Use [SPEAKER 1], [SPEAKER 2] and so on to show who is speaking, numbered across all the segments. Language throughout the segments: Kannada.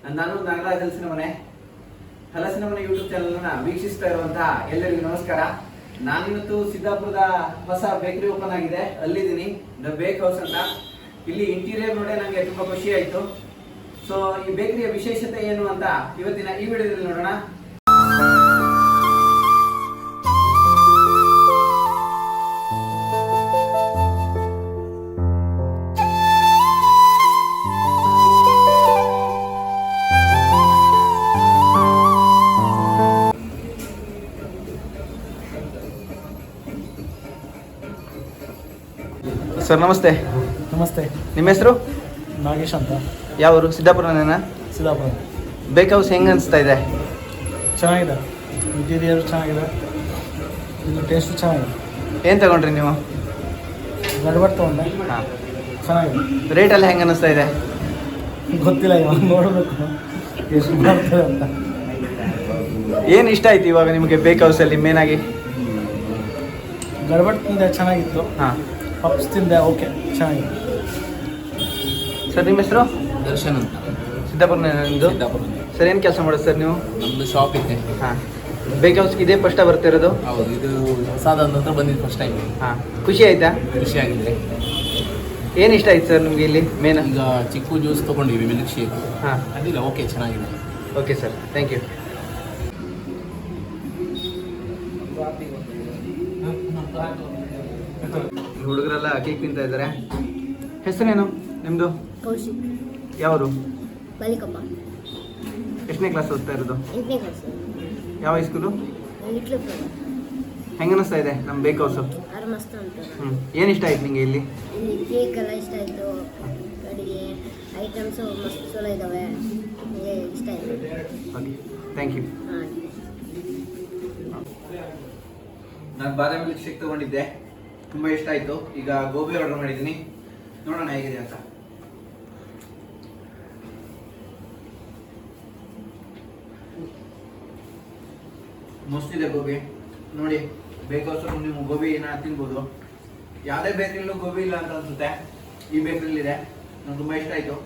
[SPEAKER 1] ನಾನು ನಾಗರಾಜ್ ಹಲಸಿನ ಮನೆ ಯೂಟ್ಯೂಬ್ ಚಾನಲ್ ವೀಕ್ಷಿಸ್ತಾ ಇರುವಂತಹ ಎಲ್ಲರಿಗೂ ನಮಸ್ಕಾರ. ನಾನಿವತ್ತು ಸಿದ್ದಾಪುರದ ಹೊಸ ಬೇಕರಿ ಓಪನ್ ಆಗಿದೆ, ಅಲ್ಲಿದ್ದೀನಿ. ದ ಬೇಕ್ ಹೌಸ್ ಅಂತ. ಇಲ್ಲಿ ಇಂಟೀರಿಯರ್ ನೋಡೇ ನನಗೆ ತುಂಬಾ ಖುಷಿ ಆಯ್ತು. ಸೊ ಈ ಬೇಕರಿಯ ವಿಶೇಷತೆ ಏನು ಅಂತ ಇವತ್ತಿನ ಈ ವಿಡಿಯೋದಲ್ಲಿ ನೋಡೋಣ. ಸರ್ ನಮಸ್ತೆ.
[SPEAKER 2] ನಮಸ್ತೆ.
[SPEAKER 1] ನಿಮ್ಮ ಹೆಸರು?
[SPEAKER 2] ನಾಗೇಶ್ ಅಂತ.
[SPEAKER 1] ಯಾವರು? ಸಿದ್ದಾಪುರನೇನಾ?
[SPEAKER 2] ಸಿದ್ದಾಪುರ.
[SPEAKER 1] ಬೇಕ್ ಹೌಸ್ ಹೆಂಗೆ ಅನಿಸ್ತಾ ಇದೆ?
[SPEAKER 2] ಚೆನ್ನಾಗಿದೆ, ಇಂಟೀರಿಯರ್ ಚೆನ್ನಾಗಿದೆ, ಇದು ಟೇಸ್ಟ್ ಚೆನ್ನಾಗಿದೆ.
[SPEAKER 1] ಏನು ತಗೊಂಡ್ರಿ ನೀವು?
[SPEAKER 2] ಗಡ್ಬಡ್ ತೊಗೊಂಡೆ.
[SPEAKER 1] ಹಾಂ,
[SPEAKER 2] ಚೆನ್ನಾಗಿದೆ.
[SPEAKER 1] ರೇಟೆಲ್ಲ ಹೆಂಗೆ ಅನಿಸ್ತಾ ಇದೆ?
[SPEAKER 2] ಗೊತ್ತಿಲ್ಲ, ಇವಾಗ ನೋಡಬೇಕು ಎಷ್ಟು ಮಾಡ್ತಾರೆ ಅಂತ.
[SPEAKER 1] ಏನು ಇಷ್ಟ ಆಯ್ತು ಇವಾಗ ನಿಮಗೆ ಬೇಕ್ ಹೌಸಲ್ಲಿ ಮೇನಾಗಿ?
[SPEAKER 2] ಗಡ್ಬಡ್ ತಿಂದೆ, ಚೆನ್ನಾಗಿತ್ತು.
[SPEAKER 1] ಹಾಂ,
[SPEAKER 2] ಪಪ್ಸ್ ತಿಂದೆ, ಓಕೆ, ಚೆನ್ನಾಗಿದೆ.
[SPEAKER 1] ಸರ್ ನಿಮ್ಮ ಹೆಸರು?
[SPEAKER 3] ದರ್ಶನ್ ಅಂತ.
[SPEAKER 1] ಸಿದ್ದಾಪುರನೇ ನಿಮ್ಮದು?
[SPEAKER 3] ಸಿದ್ದಾಪುರ.
[SPEAKER 1] ಸರ್ ಏನು ಕೆಲಸ ಮಾಡೋದು ಸರ್ ನೀವು?
[SPEAKER 3] ನಮ್ಮದು ಶಾಪ್ ಇದೆ.
[SPEAKER 1] ಹಾಂ, ಬೇಕ್ ಹೌಸ್ಗೆ ಇದೇ ಫಸ್ಟ್ ಬರ್ತಿರೋದು?
[SPEAKER 3] ಹೌದು, ಇದು ಹೊಸದಾದ ನಂತರ ಬಂದಿದ್ದು ಫಸ್ಟ್ ಟೈಮ್.
[SPEAKER 1] ಹಾಂ, ಖುಷಿ ಆಯ್ತಾ?
[SPEAKER 3] ಖುಷಿಯಾಗಿದೆ.
[SPEAKER 1] ಏನು ಇಷ್ಟ ಆಯ್ತು ಸರ್ ನಿಮಗೆ ಇಲ್ಲಿ ಮೇನ್?
[SPEAKER 3] ಈಗ ಚಿಕ್ಕು ಜ್ಯೂಸ್ ತೊಗೊಂಡಿವಿ, ಮಿಲ್ಕ್ ಶೇಕ್.
[SPEAKER 1] ಹಾಂ,
[SPEAKER 3] ಅದಿಲ್ಲ, ಓಕೆ, ಚೆನ್ನಾಗಿದೆ.
[SPEAKER 1] Okay sir, thank you. ಹುಡುಗರೆಲ್ಲ ಕೇಕ್ ತಿಂತಾ ಇದ್ದಾರೆ. ಹೆಸರೇನು ನಿಮ್ಮದು?
[SPEAKER 4] ಕೌಶಿಕ್.
[SPEAKER 1] ಯಾವರು?
[SPEAKER 4] ಬಾಲಿಕಪ್ಪ.
[SPEAKER 1] ಎಷ್ಟನೇ ಕ್ಲಾಸ್ ಓದ್ತಾ ಇರೋದು?
[SPEAKER 4] 8ನೇ ಕ್ಲಾಸ್.
[SPEAKER 1] ಯಾವ ಹೈಸ್ಕೂಲು?
[SPEAKER 4] Little flower.
[SPEAKER 1] ಹೆಂಗೆ ಅನಿಸ್ತಾ ಇದೆ ನಮ್ಮ ಬೇಕ್ ಹೌಸು?
[SPEAKER 4] ಆರು ಮಸ್ತ್ ಉಂಟು.
[SPEAKER 1] ಏನು ಇಷ್ಟ ಆಯ್ತು ನಿಮಗೆ ಇಲ್ಲಿ?
[SPEAKER 4] ಇಲ್ಲಿ ಕೇಕ್ ಎಲ್ಲ ಇಷ್ಟ ಆಯಿತು, ಕಡೆಗೆ ಐಟಮ್ಸು ಮಸ್ತ್ ಚಲೋ ಇದ್ದಾವೆ, ನನಗೆ ಇಷ್ಟ ಆಯಿತು.
[SPEAKER 1] Okay, thank you.
[SPEAKER 4] ಹಾಂ.
[SPEAKER 1] ನಾನು ಬಾದಾಮಿ ಮಿಲ್ಕ್ ಶೇಕ್ ತೊಗೊಂಡಿದ್ದೆ, ತುಂಬ ಇಷ್ಟ ಆಯಿತು. ಈಗ ಗೋಬಿ ಆರ್ಡರ್ ಮಾಡಿದ್ದೀನಿ, ನೋಡೋಣ ಹೇಗಿದೆ ಅಂತ. ಮಸ್ತಿದೆ ಗೋಬಿ ನೋಡಿ. ಬೇಕ್ ಹೌಸ್ ನೀವು ಗೋಬಿನ ತಿನ್ಬೋದು. ಯಾವುದೇ ಬೇಕರಿಯಲ್ಲೂ ಗೋಬಿ ಇಲ್ಲ ಅಂತ ಅನ್ಸುತ್ತೆ, ಈ ಬೇಕರಿಯಲ್ಲಿದೆ. ನಂಗೆ ತುಂಬ ಇಷ್ಟ ಆಯಿತು.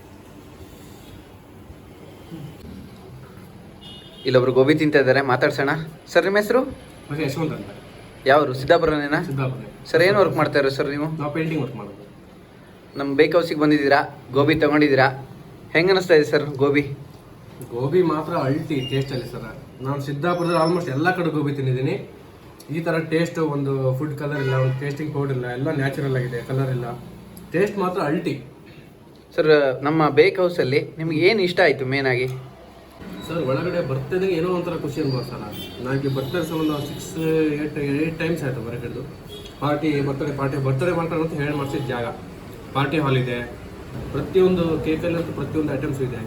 [SPEAKER 1] ಇಲ್ಲೊಬ್ರು ಗೋಬಿ ತಿಂತಾ ಇದ್ದಾರೆ, ಮಾತಾಡ್ಸೋಣ. ಸರ್ ನಿಮ್ಮ ಹೆಸರು?
[SPEAKER 5] ಮತ್ತೆ ಯಶವಂತ್ ಅಂತ.
[SPEAKER 1] ಯಾವರು? ಸಿದ್ದಾಪುರನೇನಾ?
[SPEAKER 5] ಸಿದ್ದಾಪುರ.
[SPEAKER 1] ಸರ್ ಏನು ವರ್ಕ್ ಮಾಡ್ತಾ ಇರೋ ಸರ್ ನೀವು?
[SPEAKER 5] ನಾವು ಪೇಂಟಿಂಗ್ ವರ್ಕ್ ಮಾಡೋದು.
[SPEAKER 1] ನಮ್ಮ ಬೇಕ್ ಹೌಸಿಗೆ ಬಂದಿದ್ದೀರಾ, ಗೋಬಿ ತೊಗೊಂಡಿದ್ದೀರಾ, ಹೆಂಗೆ ಅನ್ನಿಸ್ತಾ ಇದೆ ಸರ್ ಗೋಬಿ?
[SPEAKER 5] ಗೋಬಿ ಮಾತ್ರ ಅಲ್ಟಿ ಟೇಸ್ಟಲ್ಲಿ ಸರ್. ನಾನು ಸಿದ್ದಾಪುರದಲ್ಲಿ ಆಲ್ಮೋಸ್ಟ್ ಎಲ್ಲ ಕಡೆ ಗೋಬಿ ತಿಂದಿದ್ದೀನಿ. ಈ ಥರ ಟೇಸ್ಟ್, ಒಂದು ಫುಡ್ ಕಲರ್ ಇಲ್ಲ, ಒಂದು ಟೇಸ್ಟಿಂಗ್ ಪೌಡರ್ ಇಲ್ಲ, ಎಲ್ಲ ನ್ಯಾಚುರಲ್ ಆಗಿದೆ, ಕಲರ್ ಇಲ್ಲ, ಟೇಸ್ಟ್ ಮಾತ್ರ ಅಲ್ಟಿ.
[SPEAKER 1] ಸರ್ ನಮ್ಮ ಬೇಕ್ ಹೌಸಲ್ಲಿ ನಿಮ್ಗೆ ಏನು ಇಷ್ಟ ಆಯಿತು ಮೇನಾಗಿ?
[SPEAKER 5] ಸರ್ ಒಳಗಡೆ ಬರ್ತಿದ್ದಂಗೆ ಏನೋ ಒಂಥರ ಖುಷಿ ಅನ್ಬೋದು ಸರ್. ನನಗೆ ಬರ್ತಾರೆ ಸರ್ ಒಂದು 6-8 ಟೈಮ್ಸ್ ಆಯಿತು ಹೊರಗಡೆದು. ಬರ್ತಡೇ ಮಾಡ್ತಾರೆ ಅಂತ ಹೇಳಿ ಮಾಡಿಸಿದ ಜಾಗ. ಪಾರ್ಟಿ ಹಾಲ್ ಇದೆ, ಪ್ರತಿಯೊಂದು ಕೇಕಲ್ಲಂತೂ ಪ್ರತಿಯೊಂದು ಐಟಮ್ಸ್ ಇದೆ.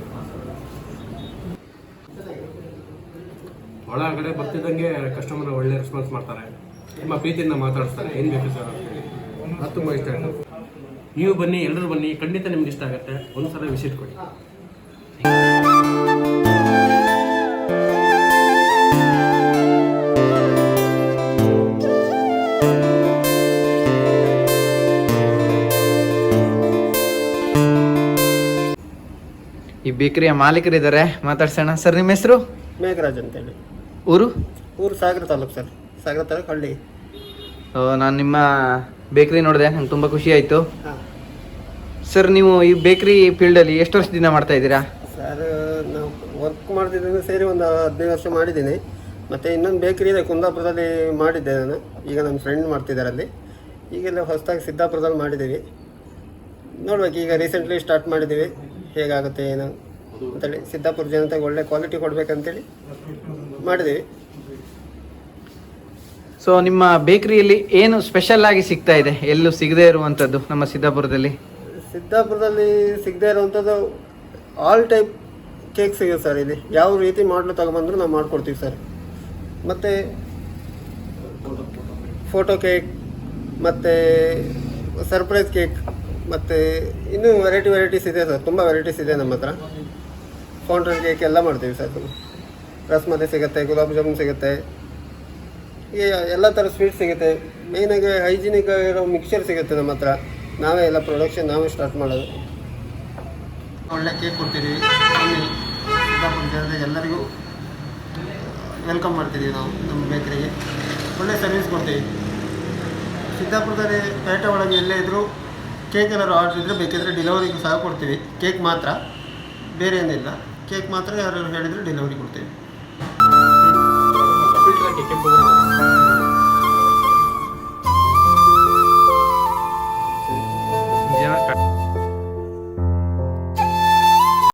[SPEAKER 5] ಒಳಗಡೆ ಬರ್ತಿದ್ದಂಗೆ ಕಸ್ಟಮರ್ ಒಳ್ಳೆ ರೆಸ್ಪಾನ್ಸ್ ಮಾಡ್ತಾರೆ, ತುಂಬ ಪ್ರೀತಿಯಿಂದ ಮಾತಾಡಿಸ್ತಾರೆ, ಏನು ಬೇಕು ಸರ್ ಅಂತೇಳಿ. ಅದು ತುಂಬ ಇಷ್ಟ ಆಯಿತು. ನೀವು ಬನ್ನಿ, ಎಲ್ಲರೂ ಬನ್ನಿ, ಖಂಡಿತ ನಿಮ್ಗೆ ಇಷ್ಟ ಆಗುತ್ತೆ. ಒಂದು ಸಲ ವಿಸಿಟ್ ಕೊಡಿ.
[SPEAKER 1] ಈ ಬೇಕರಿಯ ಮಾಲೀಕರಿದ್ದಾರೆ, ಮಾತಾಡ್ಸೋಣ. ಸರ್ ನಿಮ್ಮ ಹೆಸರು?
[SPEAKER 6] ಮೇಘರಾಜ್ ಅಂತೇಳಿ.
[SPEAKER 1] ಊರು?
[SPEAKER 6] ಸಾಗರ ತಾಲೂಕು ಸರ್. ಸಾಗರ ತಾಲೂಕು ಹಳ್ಳಿ.
[SPEAKER 1] ನಾನು ನಿಮ್ಮ ಬೇಕರಿ ನೋಡಿದೆ, ನಂಗೆ ತುಂಬ ಖುಷಿ ಆಯಿತು.
[SPEAKER 6] ಹಾಂ
[SPEAKER 1] ಸರ್, ನೀವು ಈ ಬೇಕರಿ ಫೀಲ್ಡಲ್ಲಿ ಎಷ್ಟು ವರ್ಷದಿಂದ ಮಾಡ್ತಾ ಇದ್ದೀರಾ?
[SPEAKER 6] ಸರ್, ನಾವು ವರ್ಕ್ ಮಾಡ್ತಿದ್ದೀನಿ ಸೇರಿ ಒಂದು 15 ವರ್ಷ ಮಾಡಿದ್ದೀನಿ. ಮತ್ತು ಇನ್ನೊಂದು ಬೇಕರಿ ಇದೆ ಕುಂದಾಪುರದಲ್ಲಿ ಮಾಡಿದ್ದೆ ನಾನು. ಈಗ ನನ್ನ ಫ್ರೆಂಡ್ ಮಾಡ್ತಿದ್ದಾರೆ ಅಲ್ಲಿ. ಈಗೆಲ್ಲ ಹೊಸದಾಗಿ ಸಿದ್ದಾಪುರದಲ್ಲಿ ಮಾಡಿದ್ದೀವಿ. ನೋಡ್ಬೇಕು, ಈಗ ರೀಸೆಂಟ್ಲಿ ಸ್ಟಾರ್ಟ್ ಮಾಡಿದ್ದೀವಿ, ಹೇಗಾಗುತ್ತೆ ಏನು ಅಂತೇಳಿ. ಸಿದ್ದಾಪುರ ಜನತೆಗೆ ಒಳ್ಳೆ ಕ್ವಾಲಿಟಿ ಕೊಡಬೇಕಂತೇಳಿ ಮಾಡಿದ್ದೀವಿ.
[SPEAKER 1] ಸೊ ನಿಮ್ಮ ಬೇಕರಿಯಲ್ಲಿ ಏನು ಸ್ಪೆಷಲ್ ಆಗಿ ಸಿಗ್ತಾ ಇದೆ, ಎಲ್ಲೂ ಸಿಗದೇ ಇರುವಂಥದ್ದು ನಮ್ಮ ಸಿದ್ದಾಪುರದಲ್ಲಿ
[SPEAKER 6] ಸಿಗದೇ ಇರುವಂಥದ್ದು ಆಲ್ ಟೈಪ್ ಕೇಕ್ ಸಿಗುತ್ತೆ ಸರ್. ಇಲ್ಲಿ ಯಾವ ರೀತಿ ಮಾಡಲು ತಗೊಂಬಂದ್ರು ನಾವು ಮಾಡಿಕೊಡ್ತೀವಿ ಸರ್. ಮತ್ತು ಫೋಟೋ ಕೇಕ್, ಮತ್ತು ಸರ್ಪ್ರೈಸ್ ಕೇಕ್, ಮತ್ತು ಇನ್ನೂ ವೆರೈಟೀಸ್ ಇದೆ ಸರ್. ತುಂಬ ವೆರೈಟೀಸ್ ಇದೆ ನಮ್ಮ ಹತ್ರ. ಫೌಂಟೇನ್ ಕೇಕ್ ಎಲ್ಲ ಮಾಡ್ತೀವಿ ಸರ್. ರಸ್ಮಲೈ ಸಿಗುತ್ತೆ, ಗುಲಾಬ್ ಜಾಮೂನ್ ಸಿಗುತ್ತೆ, ಎಲ್ಲ ಥರ ಸ್ವೀಟ್ ಸಿಗುತ್ತೆ. ಮೇಯ್ನಾಗಿ ಹೈಜಿನಿಕ್ ಇರೋ ಮಿಕ್ಸ್ಚರ್ ಸಿಗುತ್ತೆ ನಮ್ಮ ಹತ್ರ. ನಾವೇ ಎಲ್ಲ ಪ್ರೊಡಕ್ಷನ್ ನಾವೇ ಸ್ಟಾರ್ಟ್ ಮಾಡೋದು. ಒಳ್ಳೆ ಕೇಕ್ ಕೊಡ್ತೀವಿ. ಸಿದ್ದಾಪುರ ಜನರಿಗೆ ಎಲ್ಲರಿಗೂ ವೆಲ್ಕಮ್ ಮಾಡ್ತಿದ್ದೀವಿ ನಾವು ನಮ್ಮ ಬೇಕರಿಗೆ. ಒಳ್ಳೆ ಸರ್ವಿಸ್ ಕೊಡ್ತೀವಿ. ಸಿದ್ದಾಪುರದಲ್ಲಿ ಪೇಟೆ ಒಳಗೆ ಎಲ್ಲೇ ಇದ್ದರೂ ಕೇಕ್ ಏನಾದ್ರು ಆರ್ಡ್ರ್ ಇದ್ದರೆ ಬೇಕಿದ್ದರೆ ಡೆಲಿವರಿಗೂ ಸಹ ಕೊಡ್ತೀವಿ. ಕೇಕ್ ಮಾತ್ರ, ಬೇರೆ ಏನಿಲ್ಲ. ಕೇಕ್ ಮಾತ್ರ ಯಾರು ಹೇಳಿದರೆ ಡೆಲಿವರಿ ಕೊಡ್ತೀವಿ.
[SPEAKER 5] ಫಿಲ್ಟರ್ ಹಾಕಿ ಕೆಂಪು